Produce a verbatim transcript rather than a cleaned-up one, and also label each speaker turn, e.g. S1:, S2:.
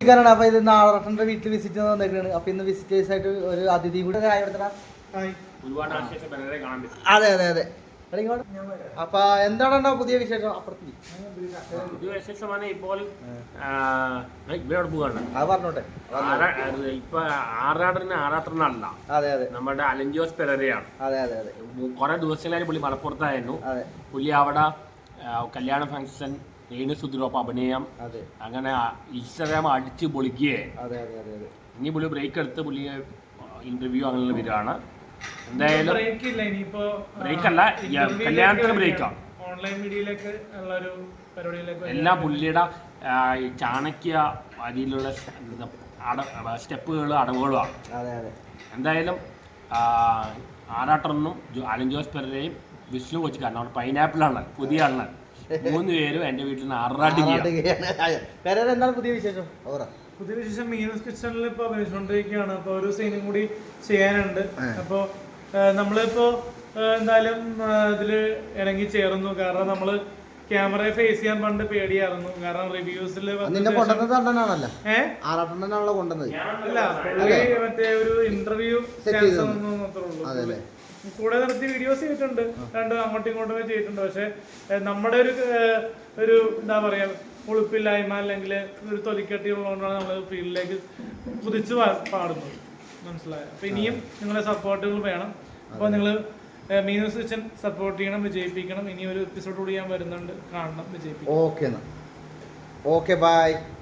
S1: കാരണം അപ്പൊ ഇത് നാളെ വീട്ടിൽ വിസിറ്റ് വന്നേക്കാണ്. അപ്പൊ ഇന്ന് വിസിറ്റേഴ്സ് ആയിട്ട് ഒരു അതിഥി കൂടെ അതെ അതെ അതെ. അപ്പൊ എന്താണ് പുതിയ വിശേഷം? അപ്പുറത്ത്
S2: പുതിയ വിശേഷമാണ് ഇപ്പോൾ ഇവിടെ പോകാണ്.
S1: അത് പറഞ്ഞോട്ടെ.
S2: ഇപ്പൊ ആറാടന് ആറാട്ടനല്ല,
S1: അതെ അതെ,
S2: നമ്മുടെ അലഞ്ചോസ് പെരേരയാണ്.
S1: അതെ അതെ അതെ.
S2: കുറെ ദിവസങ്ങളായി പുള്ളി മലപ്പുറത്തായിരുന്നു. പുള്ളി അവിടെ കല്യാണ ഫംഗ്ഷൻ, രേണു സുധിറൊപ്പം അഭിനയം, അങ്ങനെ ഇൻസ്റ്റാഗ്രാം അടിച്ച് പൊളിക്കുകയെ. ഇനി പുള്ളി ബ്രേക്ക് എടുത്ത് പുള്ളി ഇന്റർവ്യൂ അങ്ങനെ വരികയാണ്. എന്തായാലും ബ്രേക്ക് അല്ല, കല്യാണത്തിന് ബ്രേക്കാണ്. എല്ലാം പുള്ളിയുടെ ചാണക്യ അതിലുള്ള സ്റ്റെപ്പുകളും അടവുകളുമാണ്. എന്തായാലും ആറാട്ടനും അലൻ ജോസ് പെരേരയും വിഷ്ണു കൊച്ചിക്കാരനും അവിടെ പൈനാപ്പിളാണ് പുതിയ അണ്ണൻ, മൂന്ന് പേരും എന്റെ വീട്ടിൽ നിന്ന് ആറാട്ടുകയാണ്.
S1: എന്താണ് പുതിയ വിശേഷം?
S3: പുതിയ വിശേഷം മീനസ് കിച്ചണിൽ ഇപ്പൊ അഭിനയിച്ചുകൊണ്ടിരിക്കുകയാണ്. അപ്പൊ ഒരു സീനും കൂടി ചെയ്യാനുണ്ട്. അപ്പൊ നമ്മളിപ്പോ എന്തായാലും ഇതില് ഇറങ്ങി ചേർന്നു. കാരണം നമ്മള് ക്യാമറയെ ഫേസ് ചെയ്യാൻ പണ്ട് പേടിയായിരുന്നു. കാരണം റിവ്യൂസിൽ മറ്റേ ഒരു ഇന്റർവ്യൂ ചാൻസ് ഉള്ളൂ. കൂടെ നിർത്തി വീഡിയോസ് ചെയ്തിട്ടുണ്ട്, രണ്ട് അങ്ങോട്ടും ഇങ്ങോട്ടും ചെയ്തിട്ടുണ്ട്. പക്ഷെ നമ്മുടെ ഒരു ഒരു എന്താ പറയാ ഉളുപ്പില്ലായ്മ അല്ലെങ്കിൽ ഒരു തൊലിക്കട്ടി ഉള്ളതുകൊണ്ടാണ് നമ്മൾ ഫീൽഡിലേക്ക് കുതിച്ച് പാടുന്നത്. മനസ്സിലായോ? അപ്പൊ ഇനിയും നിങ്ങളെ സപ്പോർട്ടുകൾ വേണം. അപ്പൊ നിങ്ങൾ മീനൂസ് കിച്ചൻ സപ്പോർട്ട് ചെയ്യണം, വിജയിപ്പിക്കണം. ഇനി ഒരു എപ്പിസോഡ് കൂടി ഞാൻ വരുന്നുണ്ട്, കാണണം, വിജയിപ്പിക്കണം.
S1: Okay, okay, by.